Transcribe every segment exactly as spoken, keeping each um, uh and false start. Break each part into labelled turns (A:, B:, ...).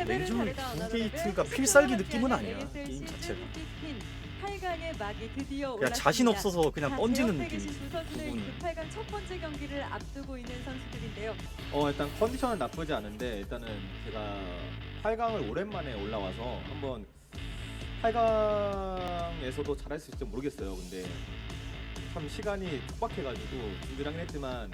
A: 레이저 두 게이트가 필살기 느낌은 아니야 게임 자체가.
B: 팔 강의 막이 드디어
A: 그냥 자신
B: 올랐습니다.
A: 없어서 그냥
B: 자,
A: 던지는
B: 대형 세계신
A: 느낌이지
B: 두 선수는
A: 두 분은.
B: 그 팔 강 첫 번째 경기를 앞두고 있는 선수들인데요.
C: 어 일단 컨디션은 나쁘지 않은데 일단은 제가 팔 강을 오랜만에 올라와서 한번 팔 강에서도 잘할 수 있을지 모르겠어요. 근데 참 시간이 촉박해가지고 준비를 하긴 했지만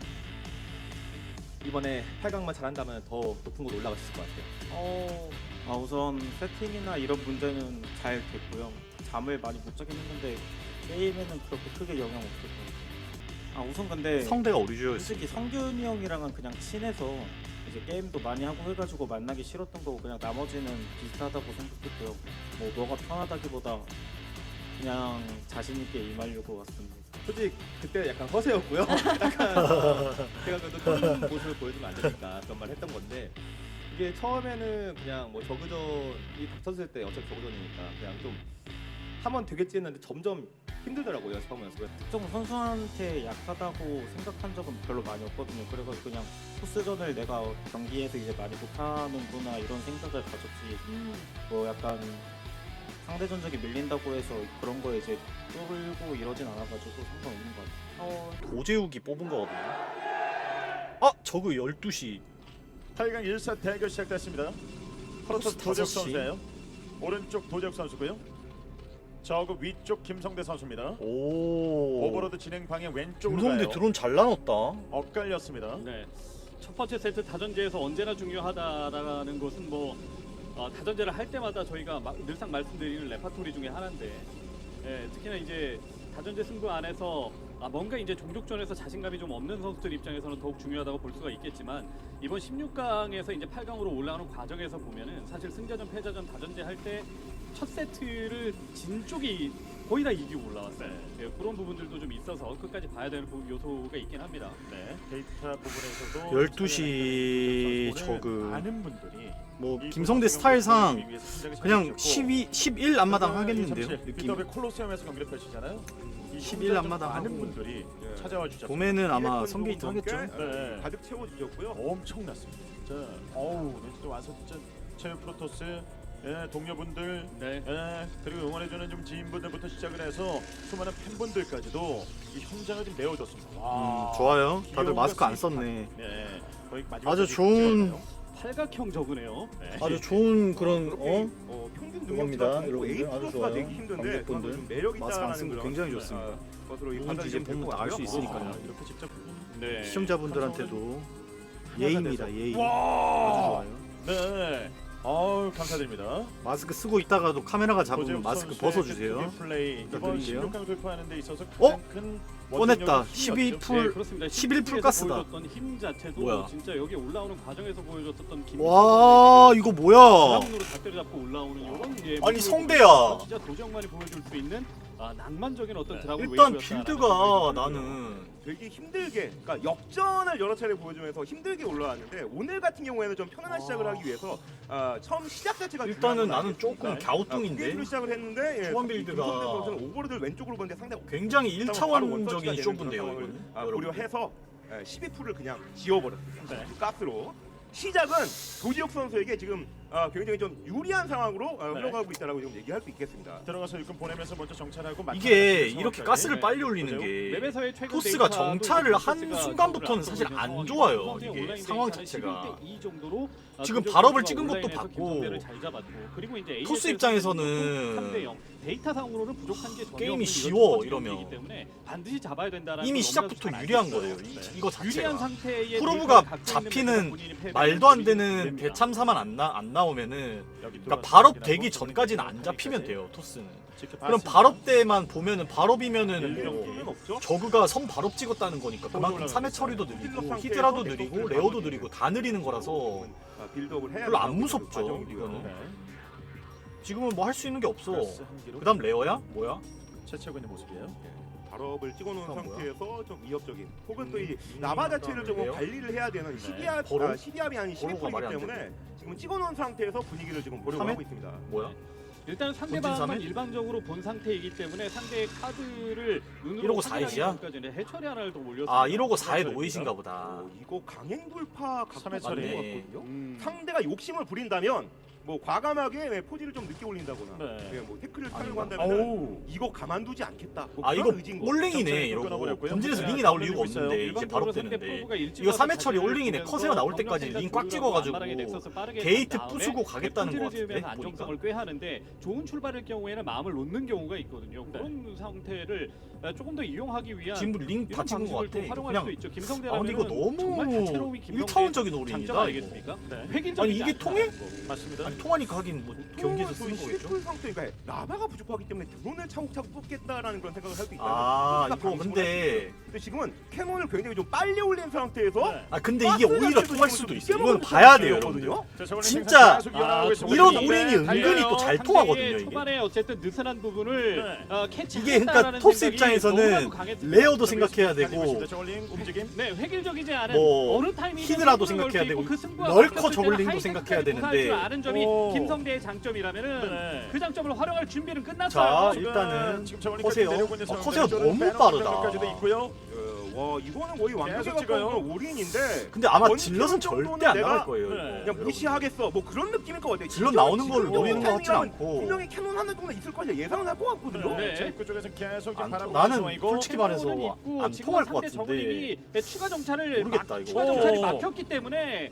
C: 이번에 팔 강만 잘한다면 더 높은 곳 올라갈 수 있을 것 같아요.
D: 어, 아 우선 세팅이나 이런 문제는 잘 됐고요. 잠을 많이 못 자긴 했는데 게임에는 그렇게 크게 영향 없을 것 같아요. 아 우선 근데
A: 성대가 오리지널
D: 솔직히 성균이 형이랑은 그냥 친해서 이제 게임도 많이 하고 해가지고 만나기 싫었던 거고 그냥 나머지는 비슷하다고 생각했고요. 뭐 뭐가 편하다기보다 그냥 자신 있게 임하려고 왔습니다.
C: 솔직히 그때 약간 허세였고요. 약간 제가 그래도 좋은 모습을 보여주면 안 되니까 그런 말 했던 건데 이게 처음에는 그냥 뭐 저그전이 닥쳤을 때 어차피 저그전이니까 그냥 좀 하면 되겠지 했는데 점점 힘들더라고요. 연습하면 연습을.
D: 특정 선수한테 약하다고 생각한 적은 별로 많이 없거든요. 그래서 그냥 토스전을 내가 경기에서 이제 많이 못하는구나 이런 생각을 가졌지.
B: 음.
D: 뭐 약간 상대 전적이 밀린다고 해서 그런 거에 이제 뚫고 이러진 않아가지고 상관없는 것 같아요.
B: 어,
A: 도제욱이 뽑은 거거든요. 아 저거 열두 시
E: 팔 강 일 사 대결 시작됐습니다. 프로토스
A: 다섯
E: 도재욱
A: 시.
E: 선수예요. 오른쪽 도재욱 선수고요. 저그 위쪽 김성대 선수입니다.
A: 오
E: 오버로드 진행 방향 왼쪽으로
A: 김성대
E: 가요.
A: 드론 잘 나눴다.
E: 엇갈렸습니다.
F: 네. 첫 번째 세트 다전제에서 언제나 중요하다라는 것은 뭐 어, 다전제를 할 때마다 저희가 마, 늘상 말씀드리는 레파토리 중에 하나인데 예, 특히나 이제 다전제 승부 안에서 아, 뭔가 이제 종족전에서 자신감이 좀 없는 선수들 입장에서는 더욱 중요하다고 볼 수가 있겠지만 이번 십육 강에서 이제 팔 강으로 올라오는 과정에서 보면은 사실 승자전 패자전 다전제 할 때 첫 세트를 진 쪽이 거의 다 이기고 올라왔어요. 예, 그런 부분들도 좀 있어서 끝까지 봐야 되는 부- 요소가 있긴 합니다.
E: 네. 데이터 부분에서도
A: 열두 시
E: 오늘
A: 저그
E: 많은 분들이
A: 뭐
E: 이
A: 김성대
E: 선수
A: 스타일상
E: 경기를 위해서 굉장히
A: 그냥
E: 잘해주셨고,
A: 십이, 십일 앞마당 하겠는데요
E: 이십칠
A: 느낌.
E: 비더비 콜로세움에서 경기를 펼치잖아요. 이
A: 십일
E: 현장
A: 앞마당
E: 많은
A: 하고.
E: 분들이 찾아와 주셨습니다.
A: 봄에는 아마
C: 이레콘
A: 성게이트
C: 좋은
A: 하겠죠.
C: 성격,
E: 네.
C: 가득 채워주셨고요.
E: 엄청났습니다. 자, 어우, 네, 진짜 와서 진짜 체육 프로토스 예, 동료분들
F: 네.
E: 예, 그리고 응원해주는 좀 지인분들부터 시작을 해서 수많은 팬분들까지도 이 현장을 좀 메워줬습니다.
A: 음,
E: 와,
A: 좋아요. 다들
E: 귀여운
A: 마스크 안
E: 것이
A: 썼네.
E: 네, 거의 마지막
A: 아주
E: 경기
A: 좋은
E: 찍었네요.
F: 팔각형 적으네요.
E: 네.
A: 아주 좋은 그런
C: 그렇게,
A: 어
C: 어, 평균
A: 그겁니다,
C: 능력치가
A: 여러분들.
C: A
A: 아주
C: 플러스가
A: 좋아요.
C: 되기 힘든데
A: 관객분들.
C: 그건 좀 매력
A: 마스크 안
C: 있다라는
A: 쓴 거
C: 그런,
A: 굉장히 좋습니다.
C: 어, 것으로
A: 누군지
C: 판단이
A: 이제
C: 좀
A: 보면
C: 될것
A: 다 알 수
C: 같고요.
A: 있으니까요.
E: 아, 이렇게 직접
F: 네.
A: 시청자분들한테도 예의입니다. 예의. 아주
E: 와,
A: 좋아요.
E: 네, 아우 감사드립니다.
A: 마스크 쓰고 있다가도 카메라가 잡으면
E: 도재욱
A: 마스크
E: 선수의
A: 벗어주세요.
E: 그 플레이 이번
A: 부탁드릴게요.
E: 십육 강 돌파하는 데 있어서
A: 어?
E: 가장 큰
A: 꺼냈다.
E: 원동력이
A: 십이
E: 힘이었죠.
A: 풀.
F: 네, 그렇습니다.
A: 십일 풀
F: 십일
A: 가스다.
F: 보여줬던 힘 자체도
A: 뭐야?
F: 진짜 여기 올라오는 과정에서 보여줬었던 김
A: 와 이거 뭐야?
F: 드라군으로 다 때려잡고 올라오는 이런 예,
A: 아니,
F: 모습을
A: 성대야.
F: 보여줘서 진짜 도정만이 보여줄 수 있는 아, 낭만적인 어떤
E: 네.
F: 드라군
A: 일단
F: 웨이브였다라는
A: 빌드가
F: 생각이
A: 나는
C: 되게 힘들게, 그러니까 역전을 여러 차례 보여주면서 힘들게 올라왔는데 오늘 같은 경우에는 좀 편안한 시작을 하기 위해서 아, 처음 시작 자체가
A: 일단은
C: 중요한 건
A: 나는 조금
C: 아니겠습니까? 아,
A: 갸우뚱인데
C: 게임으로 시작을 했는데 예,
A: 초반
C: 이
A: 빌드가
C: 김성대 선수는 오버로드를 왼쪽으로 보는데 상당히
A: 굉장히
C: 바로
A: 일차원적인
C: 원터치가 되는
A: 쇼부인데요
C: 그런
A: 이거는.
C: 상황을, 아,
A: 여러분들.
C: 고려해서 예, 십이 풀을 그냥 지워버렸습니다.
E: 네.
C: 가스로. 시작은 도지혁 선수에게 지금 아, 굉장히 좀 유리한 상황으로 아,
E: 네.
C: 흘러가고 있다라고 지금 얘기할 수 있겠습니다.
E: 들어가서 일꾼 보내면서 먼저 정찰하고
A: 이게
E: 막타를
A: 이렇게
E: 상황까지.
A: 가스를
F: 네.
A: 빨리 올리는
E: 그죠?
A: 게
F: 맵에서의 최근
A: 토스가
F: 데이터도
A: 정찰을
F: 이제
A: 한
F: 토스가
A: 순간부터는
F: 앞서고
A: 사실
F: 있는
A: 안
F: 상황이고
A: 좋아요,
F: 김성태의
A: 이게
F: 온라인
A: 상황
F: 데이터는
A: 자체가.
F: 십일 대 이 정도로 아,
A: 지금
F: 김정태
A: 발업을
F: 선수가
A: 찍은 것도
F: 온라인에서
A: 봤고
F: 김성태를 잘 잡았고 그리고 이제
A: 토스
F: 에이에스에서
A: 입장에서는
F: 삼 대 영 데이터상으로는 부족한 게 전혀
A: 게임이
F: 없는
A: 쉬워,
F: 이런
A: 이러면.
F: 경기이기 때문에 반드시 잡아야 된다라는
A: 이미
F: 걸
A: 시작부터
F: 너무나도 잘
A: 유리한
F: 알고
A: 거예요.
F: 있어요.
A: 이- 이거
F: 네. 유리한
A: 자체가.
F: 상태의
A: 프로브가
F: 데이터를 갖고
A: 잡히는
F: 있는 본인이 패배를
A: 말도 안
F: 보이면
A: 되는
F: 됩니다.
A: 대참사만 안, 나, 안 나오면은
E: 여기
A: 그러니까
E: 들어와서
A: 발업
E: 확인하고
A: 되기
E: 좀
A: 전까지는 안
E: 여기까지
A: 잡히면 돼요 토스는.
E: 지켜봤습니다.
A: 그럼 발업 때만 보면은 발업이면은
C: 열리는
A: 뭐
C: 부분은 없죠.
A: 저그가 선 발업 찍었다는 거니까 그만큼 삼 회 처리도 느리고 히드라도 느리고 레어도 느리고 다 느리는 거라서
C: 아, 빌드업을 해야
A: 별로 안
C: 된다고
A: 무섭죠,
C: 과정이고요.
A: 이거는.
E: 네.
A: 지금은 뭐 할 수 있는 게 없어.
E: 가스 한 기로
A: 그 다음 레어야? 뭐야?
E: 채채고 있는 모습이에요.
C: 발업을 찍어놓은
A: 그건 뭐야?
C: 상태에서 좀 위협적인 혹은 또 이
A: 음,
C: 나바 자체를 좀
A: 왜요?
C: 관리를 해야 되는
E: 네.
C: 시기압,
A: 버로?
C: 아, 시기압이 아닌
A: 버로가
C: 십이
A: 말이
C: 풀이기
A: 안
C: 때문에 지금 찍어놓은 상태에서 분위기를 지금 보려고
A: 삼 회?
C: 하고 있습니다.
A: 뭐야?
F: 일단
A: 본진
F: 상대방만
A: 삼 회?
F: 일방적으로 본 상태이기 때문에 상대의 카드를 눈으로
A: 이러고 사 회시야?
F: 까지는 해처리 하나를 더 올렸습니다.
A: 아 이러고 사 회
E: 그렇죠,
A: 노이신가 보다.
C: 어, 이거 강행 돌파
E: 삼 회
C: 각도
E: 처리.
C: 맞는 것 같거든요.
F: 음.
C: 상대가 욕심을 부린다면
G: 뭐 과감하게 포지를 좀 늦게 올린다거나
E: 네.
G: 예, 뭐 태클을
A: 아닌가?
G: 타려고 한다면
E: 어우.
G: 이거 가만두지 않겠다. 뭐
A: 아
G: 그런
A: 이거
G: 의지인 거.
A: 올링이네
E: 점차에
A: 이러고
E: 끊어버렸고요.
A: 본진에서
E: 네,
A: 링이 나올
E: 걸리고
A: 이유가
E: 있어요.
A: 없는데 이제 바로
F: 일반적으로 상대
A: 뜨는데
F: 프로브가 일찍
A: 이거
F: 와서
A: 삼 회 처리
F: 자신을
A: 올링이네.
F: 보면서
A: 커세어 나올
F: 병력
A: 때까지
F: 생산
A: 링 꽉
F: 조율하고
A: 찍어가지고
F: 안마랑에 넥서스 빠르게
A: 게이트
F: 간 다음에
A: 부수고 가겠다는 것
F: 본진을
A: 같은데
F: 지으면서
A: 보니까.
F: 안정성을 꾀하는데 좋은 출발일 경우에는 마음을 놓는 경우가 있거든요. 그런 상태를 조금 더 이용하기 위한
A: 지금 링 다
F: 이런
A: 찍은 것
F: 방식을
A: 같아.
F: 또 활용할
A: 그냥
F: 수도 있죠.
A: 아 근데
F: 김성대라면
A: 이거
F: 정말
A: 너무
F: 다채로움이 김성대의
A: 일차원적인
F: 장점
A: 올인이다.
F: 아니겠습니까?
E: 네.
F: 획일적이지
A: 아니, 이게
F: 않다는
A: 통해?
F: 거.
E: 맞습니다.
A: 아니 통하니까 하긴 뭐 경기에서
G: 또
A: 쓰는 거겠죠.
G: 실풀 상태가 라바가 부족하기 때문에 드론을 차곡차곡 뽑겠다라는 그런 생각을 할 수 있다.
A: 아 이거 근데
G: 근데 지금은 캐논을 굉장히 좀 빨리 올린 상태에서
E: 네.
A: 아 근데 이게 오히려 통할 수도 있어.
G: 늦게
A: 이건
G: 먹는
A: 봐야 돼요,
G: 상태거든요.
A: 여러분들.
E: 자, 저걸링
A: 진짜
E: 생산 계속 이어나가고
F: 아,
E: 있습니다.
A: 이런
E: 네,
A: 올인이 은근히
E: 달려요.
A: 또 잘
F: 상대의
A: 통하거든요, 이게.
F: 초반에 어쨌든 느슨한 부분을
E: 네.
F: 어, 캐치.
A: 이게 그러니까 토스 입장에서는 레어도 생각해야 되고
E: 저걸링 움직임.
F: 네, 획일적이지 않은
A: 뭐
F: 어느 타이밍에
A: 히드라도
F: 승부를
A: 생각해야
F: 걸수 있고
A: 되고
F: 그 승부가
A: 널커
F: 바뀌었을 때는
A: 저글링도
F: 하이테크까지
A: 생각해야
F: 구사할 줄
A: 되는데.
F: 아는 점이
E: 오.
F: 김성대의 장점이라면은
E: 네.
F: 그 장점을 활용할 준비는
A: 자
F: 끝났어요.
A: 일단은
E: 지금 저걸링
A: 커세어
E: 내려오고 있는
A: 어,
E: 상황.
A: 커세어
E: 왼쪽으로
A: 너무
E: 빼놓은
A: 빠르다.
E: 병력까지도 있고요.
G: 어, 와 이거는 거의 완벽에
E: 계속 찍어요.
G: 가까운 올인인데
A: 근데 아마
G: 원
A: 질럿은
G: 정도는
A: 절대 안
G: 내가
A: 나갈 거예요.
E: 네.
A: 이거.
G: 그냥
A: 여러분들.
G: 무시하겠어. 뭐 그런 느낌일 것 같아.
A: 질럿
G: 지금-
A: 나오는 걸
G: 지금
A: 노리는 것 같진
G: 타이밍이라면
A: 않고.
G: 분명히 캐논 하나 정도 있을 거야 예상은 할 것 같거든요.
E: 네.
F: 네.
E: 자, 입구 쪽에서 계속 지금
A: 안
E: 바라보고
A: 통- 나는
E: 상황이고.
A: 솔직히 말해서
F: 캐논은 있고
A: 안
F: 지금
A: 통할 것
F: 상대
A: 같은데.
F: 저글링이 추가 정찰을
A: 모르겠다,
F: 막-
A: 이거.
F: 추가 정찰이
E: 오.
F: 막혔기 때문에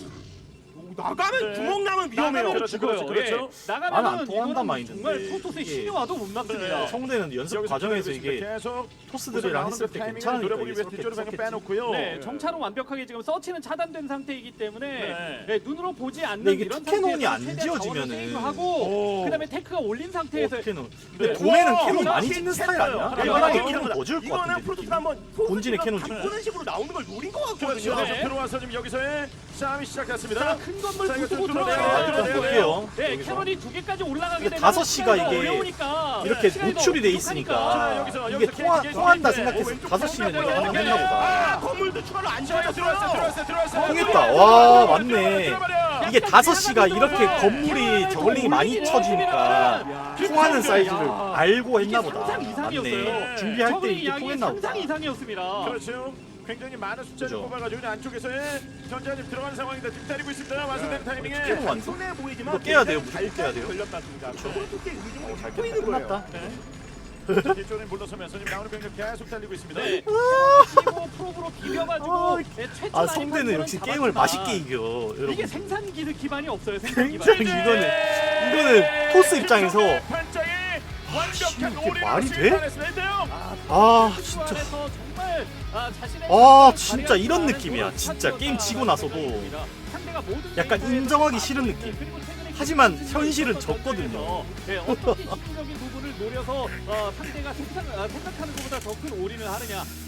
G: 나가면
E: 네.
G: 구멍 나면 위험해요.
F: 나가면
E: 그렇죠,
F: 죽어요.
E: 그렇죠, 그렇죠.
F: 예.
A: 나는 안
F: 나가면은
A: 통한단
F: 이거는
A: 마인드인데
F: 정말 토토스의
A: 이게-
F: 신여와도 못 막습니다.
E: 네.
A: 성대는 연습
E: 여기서
A: 과정에서
E: 기다리고
A: 이게
E: 있습니다. 계속
A: 토스들이랑 했을 때
E: 타이밍을
A: 괜찮으니까
E: 노려보기
A: 이게
E: 위해서 뒤쪽으로
A: 썼겠지.
E: 방금 빼놓고요.
F: 네, 정찰은 완벽하게 지금 서치는 차단된 상태이기 때문에
E: 네.
F: 네, 눈으로 보지 않는
A: 근데 이게
F: 이런
A: 투캐논이
F: 상태에서
A: 안
F: 최대한 자원을
A: 지어지면은-
F: 세이브하고
E: 오.
F: 그다음에 테크가 올린 상태에서
A: 캐논.
E: 네.
A: 근데 도매는
G: 우와,
A: 캐논
G: 우와,
A: 많이
G: 진짜
A: 짓는 스타일
G: 했어요.
A: 아니야?
E: 네,
A: 일반하게
E: 맞아요.
A: 캐논 더 줄 것
G: 이거는
A: 같은데.
G: 프로토스 한번
A: 본진의 캐논
G: 바꾸는 식으로 나오는 걸 노린 것
E: 그렇죠.
G: 같거든요.
F: 네.
E: 들어와서 지금 여기서의 싸움이 시작됐습니다.
F: 큰 건물
E: 자, 이거
F: 부수고
E: 좀 들어가요.
F: 들어가요.
A: 아, 일단
E: 네,
A: 볼게요.
F: 네,
A: 여기서.
F: 캐논이 두 개까지 올라가게
A: 근데
F: 되면
A: 다섯 시가
F: 시간이 더
A: 이게
F: 어려우니까
A: 이렇게
F: 시간이
A: 노출이 돼
F: 더
A: 있으니까
E: 자, 여기서,
A: 이게
E: 여기서
A: 통화,
E: 계속
A: 통한다
E: 계속
A: 생각해서
E: 왼쪽
A: 다섯 시는 이거
E: 방향으로
A: 한번 했나
G: 아,
A: 보다.
G: 건물도 추가로 안
E: 자,
G: 지어졌어요.
E: 들어왔어요, 들어왔어요, 들어왔어요.
A: 통했다. 와 맞네.
E: 들어버려.
A: 이게 다섯 시가 이렇게
F: 네.
A: 건물이 저글링이 많이 쳐지니까 통하는 사이즈를 알고 했나 보다.
F: 상상 이상이었어요.
A: 맞네. 준비할 때
F: 저글링
A: 이게
F: 양이
A: 통했나 보다.
F: 상상 이상이었습니다.
E: 그렇죠. 굉장히 많은 숫자를
A: 그죠.
E: 뽑아가지고 그냥 안쪽에서의 전자가 지금 들어가는 상황인데 기다리고 있습니다. 완성된 타이밍에.
A: 깨는 완
G: 손해 보이지만
A: 이거 깨야 돼요.
G: 굉장히
A: 무조건 깨야 돼요.
G: 걸렸다습니다. 저렇게 의중을
A: 잘
G: 갖고
A: 깼다.
G: 있는 거예요.
A: 끝났다.
E: 네. 뒤쪽에 물러서면서 지금 나오는 병력 계속 달리고 있습니다.
F: 네. 그리고 프로브로 비벼가지고
A: 아,
F: 네, 최초
A: 아
F: 라인
A: 성대는
F: 판도는
A: 역시 게임을
F: 잡았지만
A: 맛있게 이겨. 여러분.
F: 이게 생산 기 기반이 없어요. 생산
A: 굉장히
F: 기반.
A: 이거는 이거는 토스 입장에서
E: 판장이 완벽한
A: 이게
E: 올인을
A: 말이 돼?
E: 실패했습니다.
A: 아
F: 진짜
A: 진짜
F: 안에서 정말 아, 자신의
A: 아,
F: 능력을
A: 진짜
F: 발휘할
A: 이런
F: 줄 아는
A: 느낌이야.
F: 그런
A: 진짜
F: 선수였다라는
A: 게임 지고 나서도
F: 생각입니다. 상대가 모든
A: 약간
F: 데이터에서
A: 인정하기
F: 다
A: 싫은
F: 그리고
A: 느낌.
F: 최근에
A: 하지만
F: 기술적인
A: 현실은
F: 어떤
A: 졌거든요.
F: 점에서, 네, 어떻게 기술적인 부분을 노려서 어, 상대가 생각, 아, 생각하는 것보다 더 큰 올인을 하느냐